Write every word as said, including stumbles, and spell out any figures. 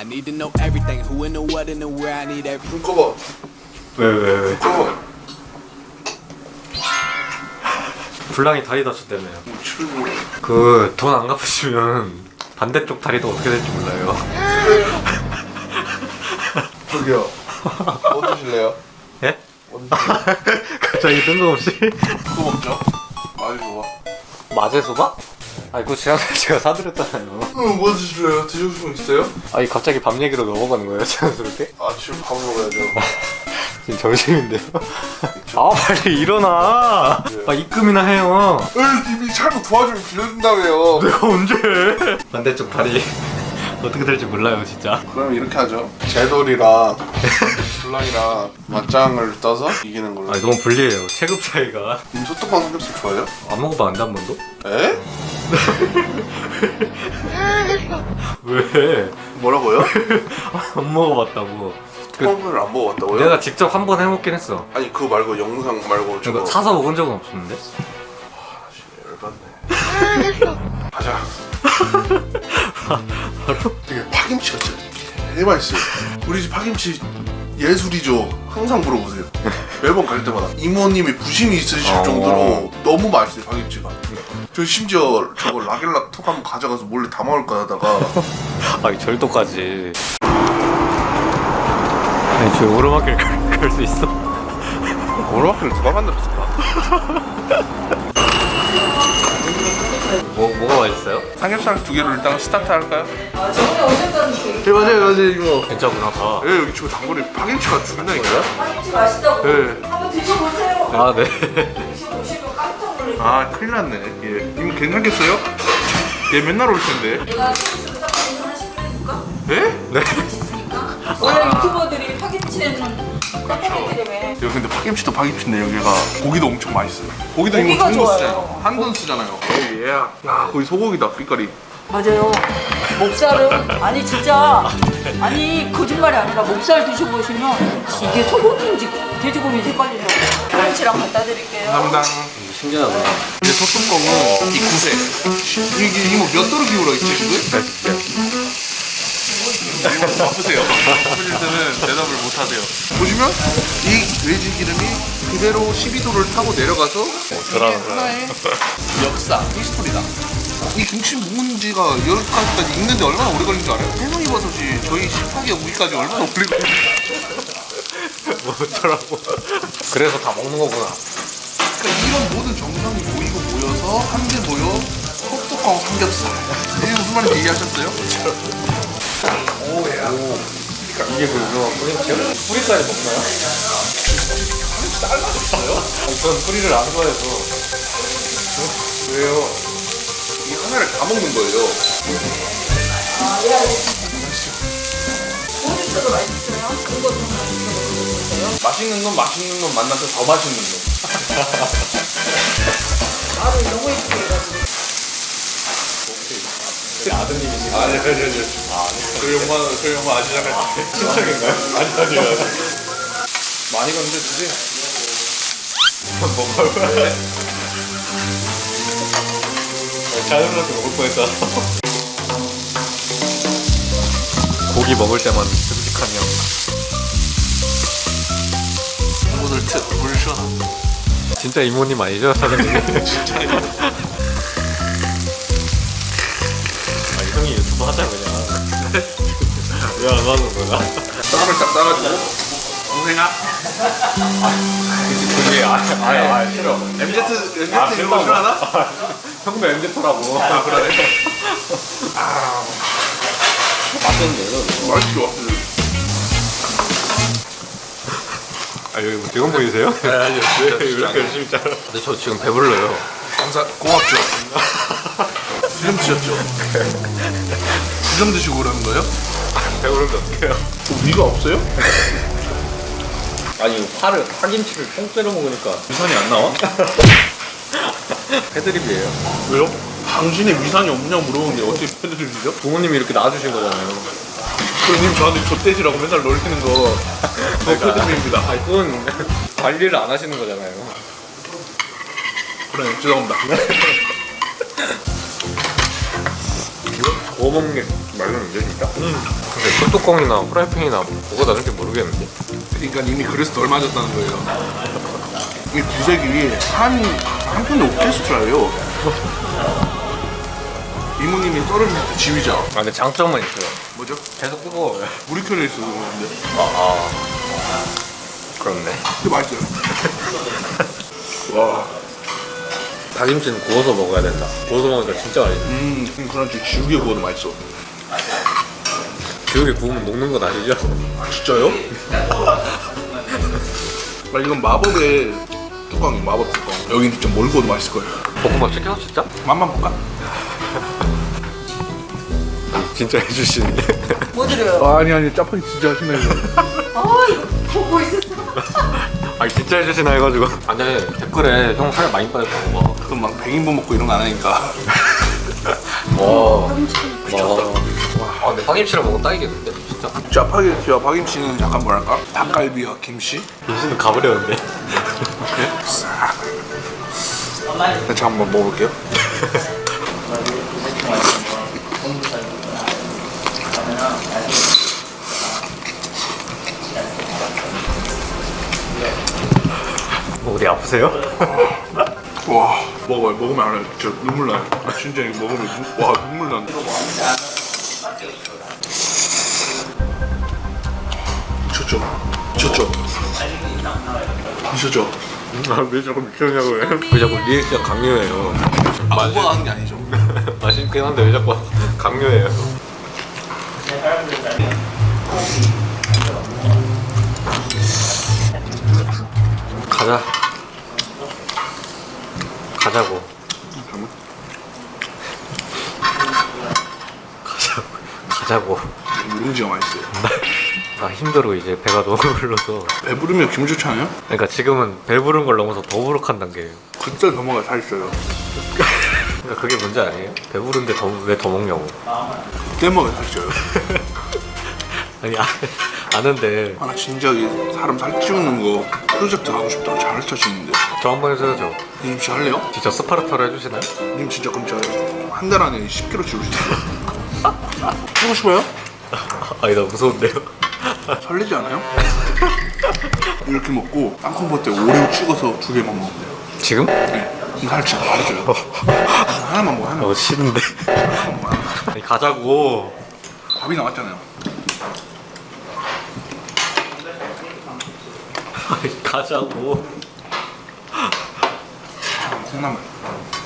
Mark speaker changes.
Speaker 1: I need to know everything. Who in the what and the where. I need every.
Speaker 2: 눈 꺼봐.
Speaker 3: 왜 왜 왜?
Speaker 2: 꺼봐.
Speaker 3: 불량이 다리 다쳤다며요.
Speaker 2: 출구.
Speaker 3: 그 돈 안 갚으시면 반대쪽 다리도 어떻게 될지 몰라요.
Speaker 2: 저기요. 뭐 드실래요?
Speaker 3: 예?
Speaker 2: 뭐 드실래요?
Speaker 3: 갑자기 뜬금없이?
Speaker 2: 그거 먹죠. 아주 좋아.
Speaker 3: 마제소바? 아니 그거 지난번에 제가 사드렸잖아요.
Speaker 2: 응, 뭐 드실래요? 드실 수 있어요?
Speaker 3: 아니 갑자기 밥 얘기로 넘어가는 거예요 자연스럽게?
Speaker 2: 아, 지금 밥 먹어야죠.
Speaker 3: 지금 점심인데요? 아 빨리 일어나! 아 입금이나 해요.
Speaker 2: 에이, 님이 잘못 도와주면 빌려준다며요.
Speaker 3: 내가 언제 해? 반대쪽 다리 어떻게 될지 몰라요 진짜.
Speaker 2: 그럼 이렇게 하죠. 제돌이랑 불랑이랑 맞짱을 떠서 이기는 걸로.
Speaker 3: 아니 너무 불리해요 체급 차이가.
Speaker 2: 님 소떡빵 삼겹살 좋아해요?
Speaker 3: 안 먹어봤는데 한 번도?
Speaker 2: 에?
Speaker 3: 왜?
Speaker 2: 뭐라고요?
Speaker 3: 안 먹어봤다고. 그,
Speaker 2: 소떡빵을 안 먹어봤다고요?
Speaker 3: 내가 직접 한 번 해먹긴 했어.
Speaker 2: 아니 그거 말고 영상 말고 저거.
Speaker 3: 그러니까 사서 먹은 적은 없었는데.
Speaker 2: 열받네. 가자.
Speaker 3: 바로?
Speaker 2: 되게 파김치가 진짜 개 맛있어요. 우리 집 파김치 예술이죠. 항상 물어보세요. 매번 갈 때마다 이모님이 부심이 있으실
Speaker 3: 어.
Speaker 2: 정도로 너무 맛있어요 파김치가. 저 심지어 저거 라겔라 톡 한번 가져가서 몰래 다 먹을까 하다가
Speaker 3: 아니 절도까지. 아니 저 오르막길 갈 수 있어?
Speaker 2: 오르막길을 누가 만들었을까?
Speaker 3: 뭐 뭐가 맛있어요?
Speaker 2: 삼겹살 두 개를 일단 스타트 할까요?
Speaker 4: 아, 저번에 오셨다는 그
Speaker 2: 네 맞아요 맞아요 이거.
Speaker 3: 괜찮구나 다.
Speaker 2: 예 여기 지금 단골이 파김치가 죽는다니까요?
Speaker 4: 파김치 맛있다고
Speaker 2: 네.
Speaker 4: 한번 드셔보세요.
Speaker 3: 아 네.
Speaker 4: 드셔보시면 깜짝 놀랄
Speaker 2: 아 큰일 났네. 예. 이모 괜찮겠어요? 얘 맨날 올 텐데.
Speaker 4: 내가 서비스로 딱 하나씩 해줄까?
Speaker 2: 예?
Speaker 3: 네?
Speaker 4: 원래 유튜버들이 파김치에는 깜빡이들이며
Speaker 2: 여기 근데 파김치도 파김치인데 여기가 고기도 엄청 맛있어요. 고기도 이거
Speaker 4: 고기가
Speaker 2: 좋은 거
Speaker 4: 좋아요.
Speaker 2: 쓰잖아요. 한 돈 쓰잖아요. 예. 야 거기 소고기다 빛깔이.
Speaker 4: 맞아요. 목살은 아니 진짜 아니 거짓말이 아니라 목살 드셔보시면 이게 소고기인지 돼지고기인지 헷갈리죠. 파김치랑 갖다 드릴게요.
Speaker 2: 감당.
Speaker 3: 신기하다.
Speaker 2: 이제 소뚜껑은 이 구세. 이게 이모 몇 도로 기울어 있지 지금? 이모 바쁘세요. 바쁘실 때는 대답을 못 하세요. 보시면 이 돼지 기름이 그대로 십이 도를 타고 내려가서
Speaker 3: 저라는 거야.
Speaker 2: 하나의 역사, 히스토리다. 이 김치 묵은 지가 여기까지 익는데 얼마나 오래 걸린 줄 알아요? 해성이버섯이 저희 식탁에 오기까지 얼마나 오래 걸린
Speaker 3: 뭐 어쩌라고. 그래서 다 먹는 거구나.
Speaker 2: 그러니까 이런 모든 정성이 모이고 모여서 한 개 모여 소뚜껑 삼겹살. 이게 무슨 말인지 이해하셨어요? 오야.
Speaker 3: 이게 그 유명한 뿌리치요? 뿌리까지 먹나요?
Speaker 2: 잘라줬어요?
Speaker 3: 전 뿌리를 안 좋아해서.
Speaker 2: 왜요? 이 하나를 다 먹는 거예요.
Speaker 4: 소주도 맛있어요. 그거 좀 맛있어요.
Speaker 2: 맛있는 놈 맛있는 놈 만나서 더 맛있는 놈.
Speaker 4: 말을 너무 예쁘게 해가지고.
Speaker 3: 아드님이시죠?
Speaker 2: 아니 아니 아니.
Speaker 3: 아, 아니.
Speaker 2: 그 영화 그 영화 아시잖아요.
Speaker 3: 친척인가요? 아니, 아니요.
Speaker 2: 많이 갔는데 드세요.
Speaker 3: 먹어요? 자연스럽게 먹을 뻔했다. 고기 먹을 때만 듬직하며.
Speaker 2: 오늘 특물 시원한.
Speaker 3: 진짜 이모님 아니죠? 사장님?
Speaker 2: 진짜 이거.
Speaker 3: 아니 형이 유튜브 하자 그냥. 왜 안 하는 거야?
Speaker 2: 쌈을 딱 싸가지고 동생아.
Speaker 3: 그게 아예 아예 아예 싫어.
Speaker 2: 엠지 엠지
Speaker 3: 아,
Speaker 2: 이런 거 싫어하나?
Speaker 3: 형도 엠제터라고.
Speaker 2: 아 그래. 아
Speaker 3: 맛있는데요?
Speaker 2: 맛있죠.
Speaker 3: 아 여기 뭐 직원 보이세요?
Speaker 2: 네, 아니요.
Speaker 3: 왜 이렇게 열심히 짜라? 근데 저 지금 배불러요.
Speaker 2: 감사 고맙죠. 지금 드셨죠? 지금 드시고 그러는 거예요?
Speaker 3: 배부른데 어떡해요?
Speaker 2: 위가 없어요?
Speaker 3: 아니 파를 파김치를 통째로 먹으니까 위산이 안 나와? 패드립이에요.
Speaker 2: 왜요? 당신이 위산이 없냐고 물어보는데 어떻게 패드립이죠?
Speaker 3: 부모님이 이렇게 낳아주신 거잖아요.
Speaker 2: 그럼 님 저한테 젖돼지라고 맨날 놀리는 거 그거 패드립입니다.
Speaker 3: 아니 그건 관리를 안 하시는 거잖아요.
Speaker 2: 그래 죄송합니다.
Speaker 3: 뭐 먹는 게
Speaker 2: 맛있는데 진짜?
Speaker 3: 근데 소뚜껑이나 프라이팬이나 뭐가 다른지 모르겠는데.
Speaker 2: 그러니까 이미 그래서 덜 맞았다는 거예요. 이 구색이 한 한편의 오케스트라예요. 이모님이 떨어질 때 지휘자.
Speaker 3: 아 근데 장점은 있어요.
Speaker 2: 뭐죠?
Speaker 3: 계속 뜨거워요.
Speaker 2: 물이 켜져 있어 그런데.
Speaker 3: 아, 아. 그렇네.
Speaker 2: 근데 맛있어요. 와.
Speaker 3: 닭김치는 구워서 먹어야 된다. 구워서 먹으니까 진짜 맛있어.
Speaker 2: 음, 그렇지. 지우개 구워도 맛있어.
Speaker 3: 지우개 구우면 녹는 건 아니죠?
Speaker 2: 아 진짜요? 아 이건 마법의 뚜껑이 마법 뚜껑. 여긴 진짜 뭘 구워도 맛있을 거예요.
Speaker 3: 볶음밥 시켜서 진짜?
Speaker 2: 맛만 볼까?
Speaker 3: 진짜 해주시는데.
Speaker 4: 뭐 드려요?
Speaker 2: 아, 아니 아니 짜파게 진짜 하시네.
Speaker 4: 아 이거 보고 있었어.
Speaker 3: 아니 진짜 해주시나 해가지고. 아 근데 댓글에 형 살 많이 빠졌다고 막.
Speaker 2: 그럼 막 백인분 먹고 이런 거 안 하니까.
Speaker 3: 와.
Speaker 2: 미쳤다.
Speaker 3: 아 근데 파김치랑 먹으면 딱이겠는데 진짜.
Speaker 2: 짜파게티와 파김치는 약간 뭐랄까? 닭갈비와 김치?
Speaker 3: 김치는 가버렸는데.
Speaker 2: 이렇게 싹. 제가 한번 먹어볼게요.
Speaker 3: 뭐 어디 아프세요?
Speaker 2: 와 먹어요. 먹으면 알아요. 진짜 눈물 나요. 진짜 이거 먹으면 눈, 와 눈물 난다. 미쳤죠? 미쳤죠? 미쳤죠?
Speaker 3: 아왜 자꾸 미쳤냐고요? 왜 자꾸 리액션 강요해요?
Speaker 2: 아무거나 하는 게 아니죠.
Speaker 3: 맛있긴 한데 왜 자꾸 강요해요? 가자. 가자고. 가자고. 가자고.
Speaker 2: 누룽지가 맛있어요.
Speaker 3: 나 힘들어 이제 배가 너무 불러서.
Speaker 2: 배부르면 기분 좋지 않아요?
Speaker 3: 그러니까 지금은 배부른 걸 넘어서 더부룩한 단계예요.
Speaker 2: 그때 더 먹어야 살있어요.
Speaker 3: 그러니까 그게 문제 아니에요? 배부른데 더, 왜 더 먹냐고.
Speaker 2: 그때 먹어야 살쪄요.
Speaker 3: 아니 아, 아는데
Speaker 2: 아, 나 진작에 사람 살찌우는 거 프로젝트 하고 싶다고 잘 짜지는데.
Speaker 3: 저 한 번 해줘야죠.
Speaker 2: 님 진짜 할래요?
Speaker 3: 진짜 스파르타로 해주시나요?
Speaker 2: 님 진짜 그럼 제가 한 달 안에 십 킬로그램 지울 수 있어요. 하고 싶어요?
Speaker 3: 아니 나 무서운데요?
Speaker 2: 설레지 않아요? 이렇게 먹고 땅콩버터에 오레오 찍어서 두 개만 먹으면 돼요.
Speaker 3: 지금?
Speaker 2: 네. 그럼 살 진짜 바로 쪄요. 하나만 먹어, 하나만.
Speaker 3: 어 싫은데.
Speaker 2: 하나만 먹어.
Speaker 3: 아니 가자고.
Speaker 2: 밥이 나왔잖아요.
Speaker 3: 아니 가자고.
Speaker 2: 콩나물.